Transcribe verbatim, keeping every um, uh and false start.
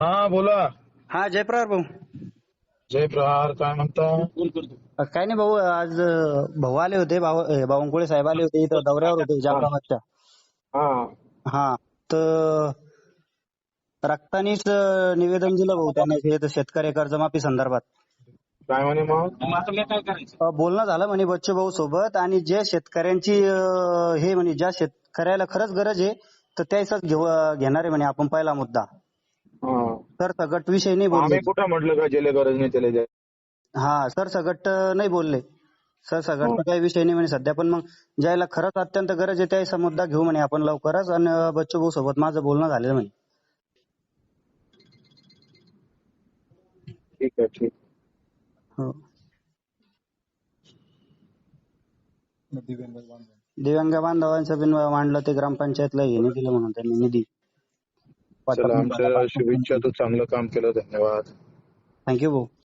हा बोला. हा जयप्रहार भाऊ. जय प्रहार. काय म्हणता? अ, काय नाही भाऊ, आज अ, भाऊ आले होते, भाऊ अ, बावनकुळे साहेब आले होते, इथं दौऱ्यावर होते हा जाफराबादच्या. हा हा, तर रक्तानीच अ, निवेदन दिलं भाऊ त्याने, हे तर शेतकरी कर्जमाफी संदर्भात. काय म्हणे मग? अ, बोलणं झालं म्हणे बच्चू भाऊ सोबत, आणि जे शेतकऱ्यांची अ, हे म्हणे, ज्या शेतकऱ्याला खरंच गरज आहे तर त्याचाच घेऊ घेणार आहे म्हणे आपण पहिला मुद्दा. हा. तर सगट विषय नाही मग बोलले. आम्ही कुठं म्हटलं का ज्याला गरज नाही त्याला द्या. हा, सर सगट नाही बोलले. सर हा. सगटचा काही विषय नाही म्हणे सध्या, पण मग ज्याला खरंच अत्यंत गरज आहे त्याचा मुद्दा घेऊ म्हणे आपण लवकरच. आणि बच्चू भाऊ सोबत माझं बोलणं झालेलं म्हणे. ठीक आहे ठीक. हो. दिव्यांग बांधवांचं बिन मांडलं ते ग्रामपंचायतला हे नाही दिलं म्हणून त्यांनी निधी वाटप चला, नाही झाला आमच्या पाच शुभेच्छा. तू चांगलं काम केलं. धन्यवाद. थँक्यू भाऊ.